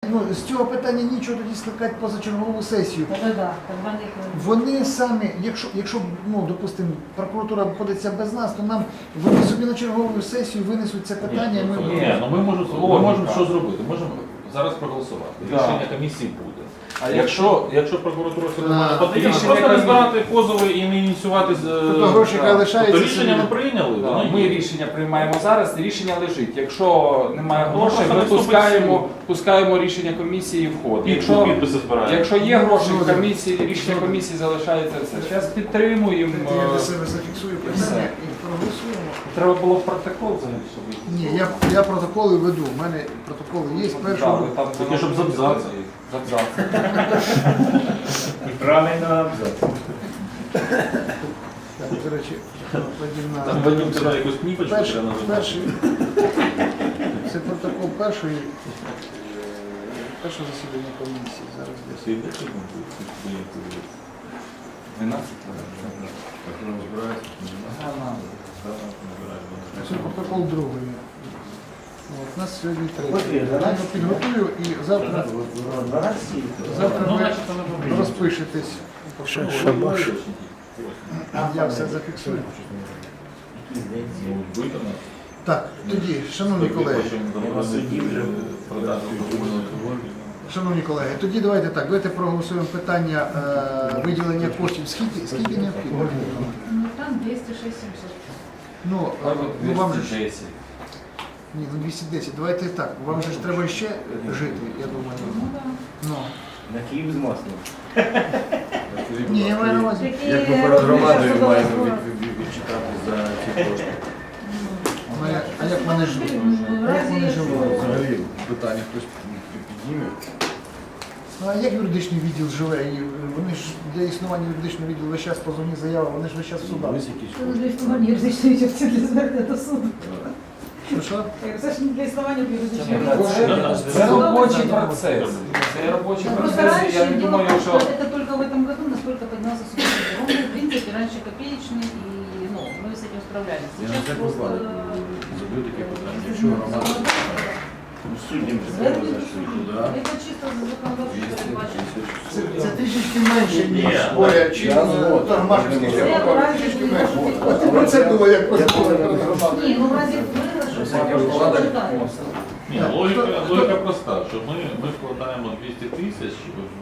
з цього питання нічого тоді скликати позачергову сесію. Да. Вони самі, якщо допустимо, прокуратура обходиться без нас, то нам вони собі на чергову сесію винесуть це питання. Ми можемо що зробити? Можемо зараз проголосувати. Рішення комісії буде. А якщо прокуратура все нормально подає, просто не збирати позови і не ініціювати гроші хай лишаються. То рішення ми прийняли. Ми рішення приймаємо зараз, рішення лежить. Якщо немає грошей, ми пускаємо рішення комісії в ход. Підписи збираємо. Якщо є гроші в комісії, рішення комісії залишається все. Зараз підтримуємо. Я для себе зафіксую питання і проголосуємо. Треба було в протокол занести. Ні, я протоколи веду. У мене протоколи є з першого. Таке, щоб з абзацу. І правильно абзац. Так, до речі, Там Вадим сказав якусь кніпочку треба називати. перший. Це протокол першого засідання комісії. Зараз десь. 12? Це протокол другий. У нас сьогодні третій. Я підготую і завтра ви розпишетесь. Я все зафіксую. Так, тоді, шановні колеги, тоді давайте проголосуємо питання виділення коштів. Скільки необхідно? Там 206-700. Вам же ж... Ні, 210. Давайте так. Вам же ж треба ще жити, я думаю. На Київ з маслом. Ні, я маю на увазі. Як ми перед громадою маємо відчитати за ці кошти? А як вони живуть? Як вони живуть? Взагалі питання хтось підніме. А як юридичний відділ живе? І вони ж для існування юридичного відділу весь час позовні заяви, вони ж весь час в судах. Для існування юридичної відділу для звернення до суду. Що? Це ж не для існування юридичного Це робочий процес. Це робочий Просто процес. раньше Я не было думаю, так, що... что это только в этом году, насколько поднялся субсидий. Он был, в принципе, раньше копеечный, и мы с этим справлялись. Я на Сейчас це просто... задаю таке питання. Якщо громада суддям же треба зайшли туди. Это чисто законодательство передбачено. Це трішечки менше, ніж поряд, чи Тормашинський. Трішечки менше. От про це було як розмови перед громадою. Ні, ну в разі виграшу, що читається. Ні, логіка проста, що ми вкладаємо 200 тисяч,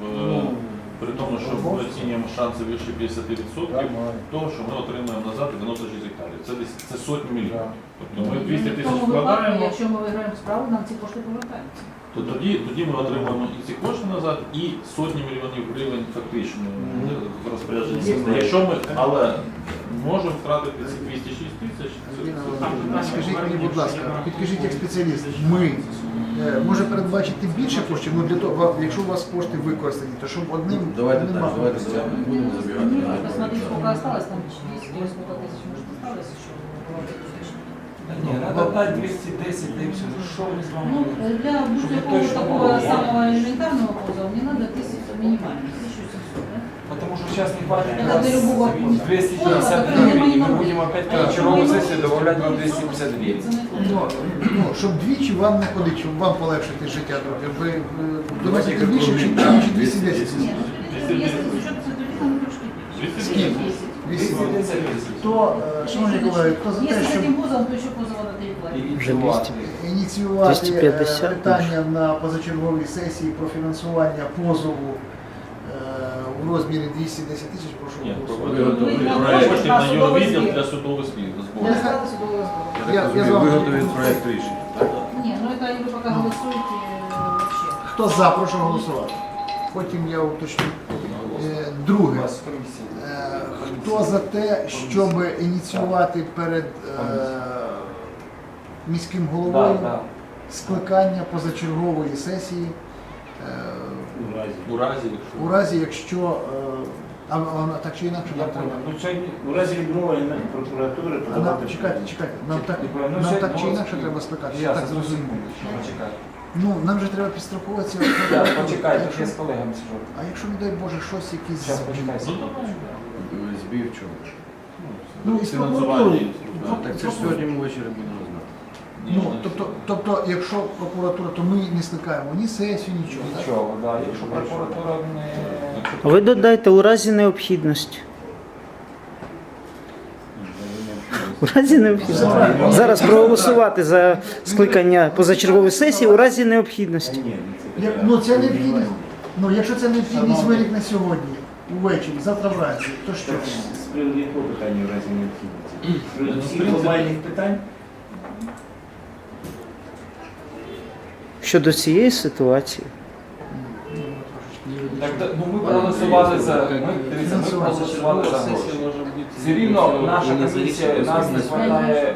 при тому, що ми оцінюємо шанси вище 50% того, що ми отримаємо назад 96 гектарів. Це сотні мільйонів. Тобто ми 200 тисяч вкладаємо, Якщо ми виграємо справу, нам ці кошти повертаються. то тоді ми отримаємо і ці кошти назад, і сотні мільйонів гривень фактично в розпорядженні. Але можемо втратити ці 206 тисяч. Скажіть мені, будь ласка, підкажіть як спеціаліст, ми може передбачити більше коштів, для того, якщо у вас кошти використані, то щоб одним Давайте одним так, махом. давайте будемо забігати. Посмотрите, сколько осталось, там 200 или сколько тысяч, может, осталось еще. Ні, треба дати 210, да и все. Що ми з вами? Ну, для любого такого самого элементарного позова мне надо 1000 минимально, 1700, да? Потому что сейчас не хватит Это для любого 250 гривен, и мы будем опять вчерговую сессию добавлять вам 250 гривен. Щоб двічі вам не ходить, щоб вам полегшити життя трохи. Ви доносите більше, чи 210? Нет, если с учетом цветовика, ну трошки меньше. Скільки? 210. То, шановні колеги, хто за те, Если с щоб этим позовом, то еще позова на 3 платить. Вже 200. ініціювати 250 питання на позачерговій сесії про фінансування позову у розмірі 210 тисяч, прошу Ні, голосувати. коштів на юрвідділ для судових зборів. Для склада судового сбора. Я так розумію, виготовить проєкт рішення, так? Не, ну это вы пока голосуете вообще. Хто за, прошу голосувати. Потім я уточню. Друге. Хто за те, щоб ініціювати перед міським головою скликання позачергової сесії у разі, якщо так чи інакше нам треба. У разі відмовлення прокуратури подавати... Чекайте, нам так чи інакше треба скликати, я так зрозумів. Ну, нам же треба підстрахуватися. Почекайте, я з колегами сижу. А якщо, не дай Боже, щось якісь... Зараз почекайте. Збій в чому? Ну, і з прокуратурою. Так це ж сьогодні ми ввечері будемо знати. Ну, тобто, якщо прокуратура, то ми не скликаємо ні сесію, нічого. так? Нічого, да. Якщо прокуратура не... Ви додайте у разі необхідності. У разі необхідності. Зараз проголосувати за скликання позачергової сесії у разі необхідності. Ну, це необхідність. Ну, якщо це необхідність виникне сьогодні, увечері, завтра вранці, то що? З приводу якого питання в разі необхідності? З приводу всіх глобальних питань? Щодо цієї ситуації, Так, ну ми проголосували за... Дивіться, ми проголосували за гроші. Все рівно наша комісія, нас не хватає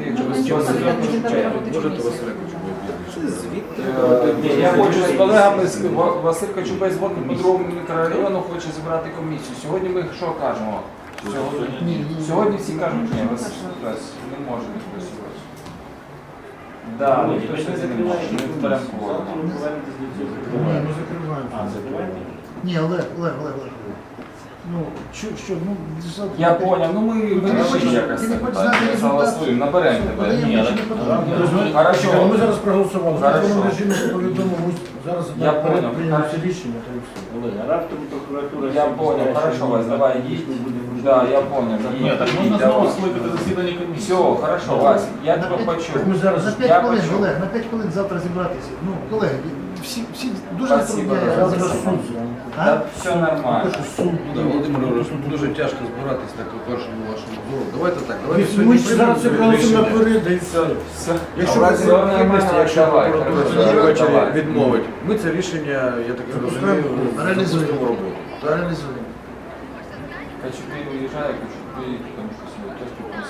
Я хочу з колегами, Василь Кочубей з Водно-Петрового мікрорайону хоче зібрати комісію. Сьогодні ми що кажемо? Сьогодні всі кажуть, ні, Василь не може не працювати. Так, ніхто сьогодні не може, ми зберемо кворум. Ми повернемось до цього. Ні, ну закриваємо. А, закриваєте? Ні, Олег. Ну, що, ну, Я понял, ну ми вирішимо хочеш- якось ти не це хочеш питання, знати результат? согласуємо, наберемо тебе. Подаємо, Ні, чи не так. подаємо? Хорошо. Ми зараз проголосували. Хорошо. В законному режимі повідомимо. Зараз Я понял. прийняли це рішення, то і все. Олег, а раптом прокуратура... Я сьогодні понял, скаже, хорошо, що Вась, давай ми їдь. будемо Да, я понял. Ні, так можна знову скликати засідання комісії. Все, хорошо, Вась, я тебе почув. Так ми зараз За Я 5 хвилин, почув. Олег, на 5 хвилин завтра зібратися. Ну, колеги, всі дуже Спасибо, затрудняє. Олег. суд. Да, все нормально. Суд. Да, Володимир Григорович, тут дуже тяжко збиратись так по першому вашому зору. Давайте так, давайте Ми сьогодні ж зараз це приймемо проголосуємо рішення. наперед, да і все. Все. Якщо в разі Все нормально, необхідності, якщо давай, прокуратура хорошо. сьогодні ввечері Давай. відмовить, ми це рішення, я так розумію, Реалізуємо. запустимо в роботу. Так? Реалізуємо. Кочубей уїжджає, Кочубей, тому що свій теж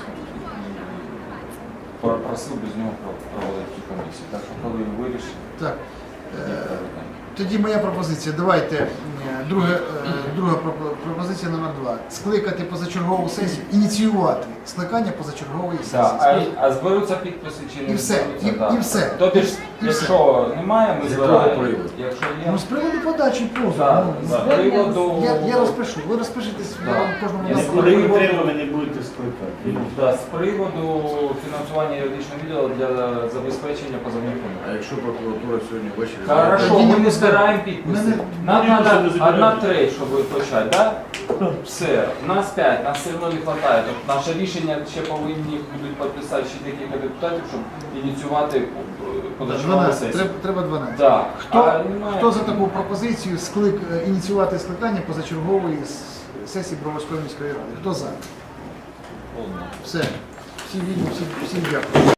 просив без нього проводити комісію. Так що коли вирішить, Так. Тоді моя пропозиція. Давайте друга пропозиція номер 2. Скликати позачергову сесію, ініціювати скликання позачергової да. сесії. А зберуться підписи чи не І все, зберуться? і- Так. і все. Тобто, ж, І все. якщо немає, ми З якого збираємо. приводу? Якщо є, Ну, з приводу подачі позову. Так, Ну, з приводу... я розпишу, ви розпишетесь, я Да. вам кожному Я дам. з Коли приводу- треба, ви не будете скликати. Да, з приводу фінансування юридичного відділу для забезпечення позовних А фондів. якщо прокуратура сьогодні ввечері... Хорошо, Тоді ми не не збираємо підписи. Нам треба 1/3, щоб почати, так? Все, нас 5, нас все одно не вистачає. Тобто наше рішення ще повинні будуть підписати ще декілька депутатів, щоб ініціювати позачергову 12, сесію. треба 12. Да. Хто, А немає- хто за таку пропозицію ініціювати скликання позачергової сесії Броварської міської ради? Хто за? Все. Всі вільні, всім дякую.